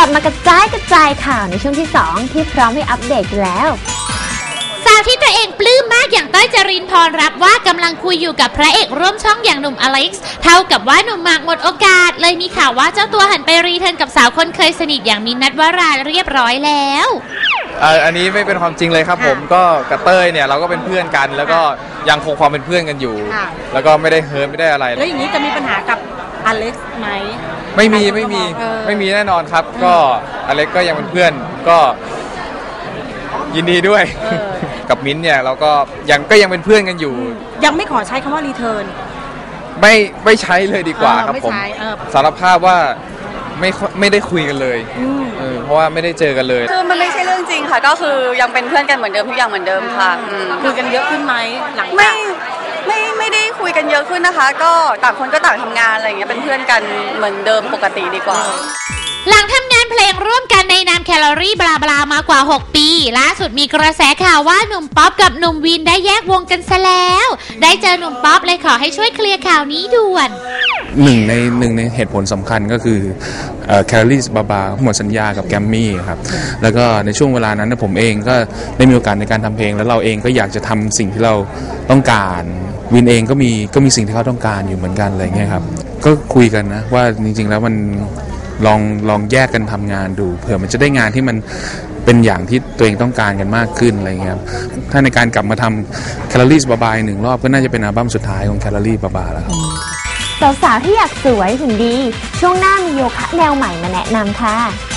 บมากระจายข่าวในช่วงที่ 2ที่พร้อมให้อัปเดตกันแล้วสาวที่ตัวเองปลื้มมากอย่างเต้ยจรินพรรับว่ากำลังคุยอยู่กับพระเอกร่วมช่องอย่างหนุ่มอเล็กซ์เท่ากับว่าหนุ่มหมากหมดโอกาสเลยมีข่าวว่าเจ้าตัวหันไปรีเทิร์นกับสาวคนเคยสนิทอย่างมินท์ ณัฐวราเรียบร้อยแล้วอันนี้ไม่เป็นความจริงเลยครับผมก็กับเต้ยเนี่ยเราก็เป็นเพื่อนกันแล้วก็ยังคงความเป็นเพื่อนกันอยู่แล้วก็ไม่ได้เฮิร์ตไม่ได้อะไรแล้วอย่างนี้จะมีปัญหากับอเล็กซ์ไหมไม่มีแน่นอนครับก็อเล็กซ์ก็ยังเป็นเพื่อนก็ยินดีด้วยกับมิ้นท์เนี่ยเราก็ยังเป็นเพื่อนกันอยู่ยังไม่ขอใช้คำว่ารีเทิร์นไม่ใช้เลยดีกว่าครับผมสารภาพว่าไม่ได้คุยกันเลยเพราะว่าไม่ได้เจอกันเลยคือมันไม่ใช่เรื่องจริงค่ะก็คือยังเป็นเพื่อนกันเหมือนเดิมทุกอย่างเหมือนเดิมค่ะคุยกันเยอะขึ้นไหมหลังไม่ได้คุยกันเยอะขึ้นนะคะก็ต่างคนก็ต่างทำงานอะไรอย่างเงี้ยเป็นเพื่อนกันเหมือนเดิมปกติดีกว่าหลังทำงานเพลงร่วมกันในนามแคลอรี่บลาบลามากว่า6ปีล่าสุดมีกระแสข่าวว่าหนุ่มป๊อปกับหนุ่มวินได้แยกวงกันซะแล้วได้เจอหนุ่มป๊อปเลยขอให้ช่วยเคลียร์ข่าวนี้ด่วนหนึ่งในเหตุผลสำคัญก็คือแคลอรี่บลาบลาหมดสัญญากับแกรมมี่ครับแล้วก็ในช่วงเวลานั้นผมเองก็ได้มีโอกาสในการทำเพลงแล้วเราเองก็อยากจะทำสิ่งที่เราต้องการวินเองก็มีสิ่งที่เขาต้องการอยู่เหมือนกันอะไรเงี้ยครับก็คุยกันนะว่าจริงๆแล้วมันลองแยกกันทำงานดูเผื่อมันจะได้งานที่มันเป็นอย่างที่ตัวเองต้องการกันมากขึ้นอะไรเงี้ยครับถ้าในการกลับมาทำแคลอรี่บาบาหนึ่งรอบก็น่าจะเป็นอัลบั้มสุดท้ายของแคลอรี่บาบาแล้วครับสาวๆที่อยากสวยหุ่นดีช่วงหน้ามีโยคะแนวใหม่มาแนะนำค่ะ